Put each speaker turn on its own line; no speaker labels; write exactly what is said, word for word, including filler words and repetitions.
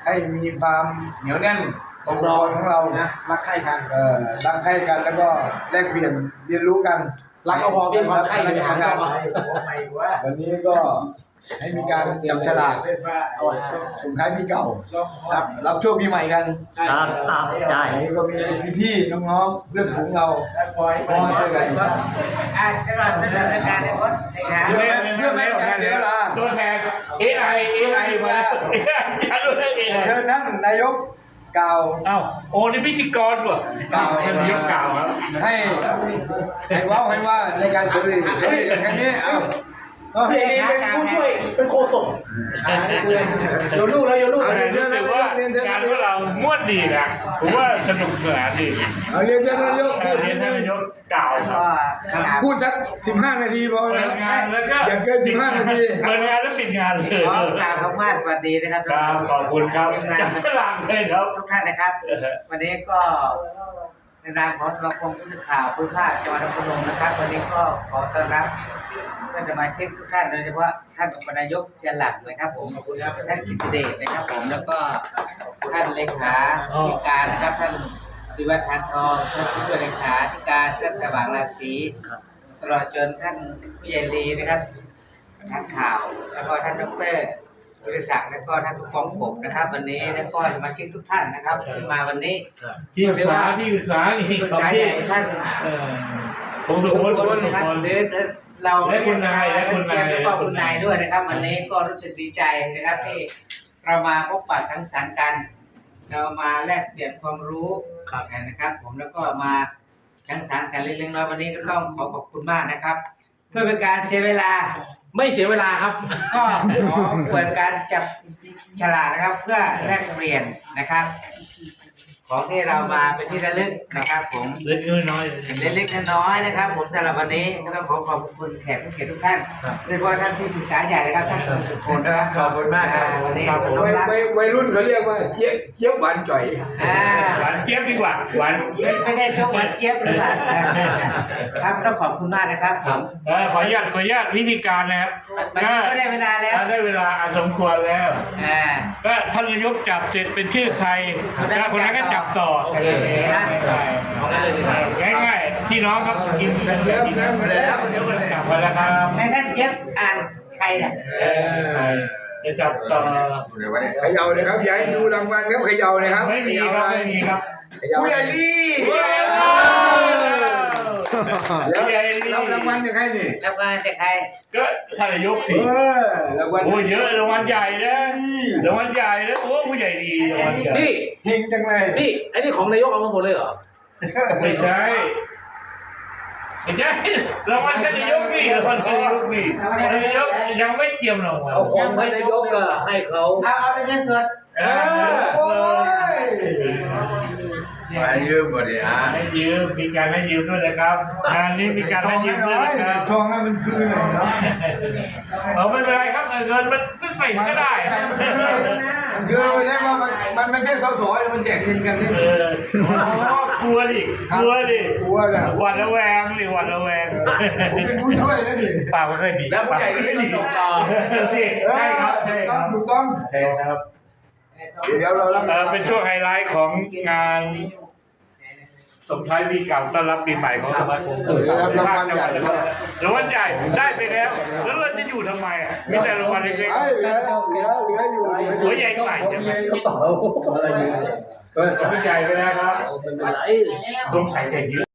ให้มีความเหนียวแน่นองค์กรของเรานะรักใคร่กันเอ่อรักใคร่กันแล้วก็แลกเปลี่ยนเรียนรู้กัน
รักก็พอเพียงความใคร่กันนะครับ
วันนี้ก็ให้มีการจับฉลากส่งท้ายปีเก่ารับรับช่วงปีใหม่กัน
ครับครับได้
วันนี้ก็มีพี่ๆน้องๆเพื่อนฝูงเราพอเจอกัน
อ่าตลอดดำเนินการในวัดนะครับ
เพื่อเพื่อไม่ให้การเสียเวลา
ตัวแทน เอ ไอ เอ ไอ มาชัดเลย เอ ไอ
เชิญท่านนายกกล่าว
เอ้าโอ้นี่พิธีกรว่ะ
กล่าว
ท่านนายกกล่าวครับ
ให้ให้ว้าวให้ว่าในการสุริสุริครั้งนี้เอ้า
เป็นผู้ช่วยเป็นโฆษกโยนลูกแล้วโยนลูกรู้สึกว่างานของเราม่วนดีนะผมว่าสนุกสนานดี
เอาเรียนท่านนายกพูด
เรียนท่านนายกกล่าวครับ
พูดสักสิบห้านาทีพอ
เปิดงานแล้วก็
อย่าเกินสิบห้านาที
เปิดงานแล้วปิดงานเลย
ขอกล่าวคำว่าสวัสดีนะครับ
ครับขอบคุณครับจับฉลากเลยครับ
ทุกท่านนะครับวันนี้ก็ในนามของสมาคมผู้สื่อข่าวภูมิภาคจังหวัดนครพนมนะครับวันนี้ก็ขอต้อนรับเพื่อนสมาชิกทุกท่านโดยเฉพาะท่านอุปนายกเชียนหลักนะครับผมขอบคุณครับท่านกิตติเดชนะครับผมแล้วก็ท่านเลขาธิการนะครับท่านศิวัฒน์ทานทองท่านผู้ช่วยเลขาธิการท่านสว่างราศีตลอดจนท่านผู้ใหญ่ลีนะครับท่านข่าวแล้วก็ท่านดรบริษัทแล้วก็ท่านผู้กองกบนะครับวันนี้แล้วก็สมาชิกทุกท่านนะครับที่มาวันนี้
ที่ปรึกษาที่ปรึกษานี่
ที่ปรึกษาใหญ่ท่าน
ผมสุขคนคน
นะครับหรือเราและคุณนายและคุณนายแล้วก็คุณนายด้วยนะครับวันนี้ก็รู้สึกดีใจนะครับที่เรามาพบปะสังสรรค์กันเรามาแลกเปลี่ยนความรู้นะครับผมแล้วก็มาสังสรรค์กันเล็กๆน้อยๆวันนี้ก็ต้องขอขอบคุณมากนะครับเพื่อเป็นการเสียเวลา
ไม่เสียเวลาครับ
ก็ขอเปิดการจับฉลากนะครับเพื่อแลกเปลี่ยนนะครับของที่เรามาเป็นที่ระลึกนะครับผม
เล็กน้อย
เล็กๆน้อยๆนะครับผมสำหรับวันนี้ก็ต้องขอขอบคุณแขกผู้เกียรติทุกท่านโดยเฉพาะท่านที่ปรึกษาใหญ่นะครับท่านสุขนนะครับ
ขอบคุณมากครับ
วันนี้
วัยรุ่นเขาเรียกว่าเจี๊ยบเจี๊ยบหวานจ่อย
หวานเจี๊ยบดีกว่าหวาน
ไม่ใช่ช่วงหวานเจี๊ยบหรือเปล่าครับต้องขอบคุณมากนะครับผม
ขออนุญาตขออนุญาตวิธีการนะครับ
ก็ได้เวลาแล้ว
ได้เวลาสมควรแล้วก็ท่านนายกจับเสร็จเป็นชื่อใครแล้วคนนั้นก็จับต่อง่ายๆพี่น้องครับกินกันแล้วกินกันแล้วเดี๋ยวกลับมาแล้วครับ
ให้ท่านเจี๊ยบอ่านใครเนี่ย
จะจับต่อ
เขย่าเลยครับอย่าให้ดูรางวัลครับเขย่าเลยครับ
ไม่มีครับไม่มีครับ
ผู้ใหญ่ลีแล้วรับรางวัลจากใครนี่
รางวัลจากใคร
ก็ท่านนายกสิ
รางวัล
โอ้เยอะรางวัลใหญ่นะรางวัลใหญ่นะโอ้ผู้ใหญ่ดีรางวัลใหญ่
นี่เฮงจังเลย
นี่ไอ้นี่ของนายกเอามาหมดเลยเหรอไม่ใช่ไม่ใช่รางวัลท่านนายกนี่รางวัลท่านนายกนี่นายกยังไม่เตรียมรางวัล
เอาของท่านนายกก็ให้เขา
เอาเอาเป็นเงินสด
โอ้ยให้ยืมบ่ดิฮะ
ให้ยืมมีการให้ยืมด้วยนะครับงานนี้มีการให้ยืมด้วยนะครับ
ซองนั้นมันคืออะไรเนาะ
เอาไม่เป็นไรครับเงินมันไม่ใส่ก็ได้
มันคือไม่ใช่ว่ามันไม่ใช่สสมันแจกเงินกันนี่
กลัวดิกลัวดิ
กลัวแหละ
หวาดระแวงดิหวาดระแวง
ผมเป็นผู้ช่วยนะดิ
ปากไม่ค่อยดี
แล้วผู้ใหญ่ที่ดีต่อ
ใช่ครับใช่ครับ
ถูกต้อง
ใช่ครับ
เดี๋ยวเรา
เป็นช่วงไฮไลท์ของงานส่งท้ายปีเก่าต้อนรับปีใหม่ของสมาคม
รางวัลใหญ่
รางวัลใหญ่ได้ไปแล้วแล้วเราจะอยู่ทำไมมีแต่รางวัลเล็กๆ
เหลือเหลือเหลืออยู่
หัวใหญ่กว่าจะไม่ก็ใหญ่ไปแล้วครับสงสัยจะเยอะ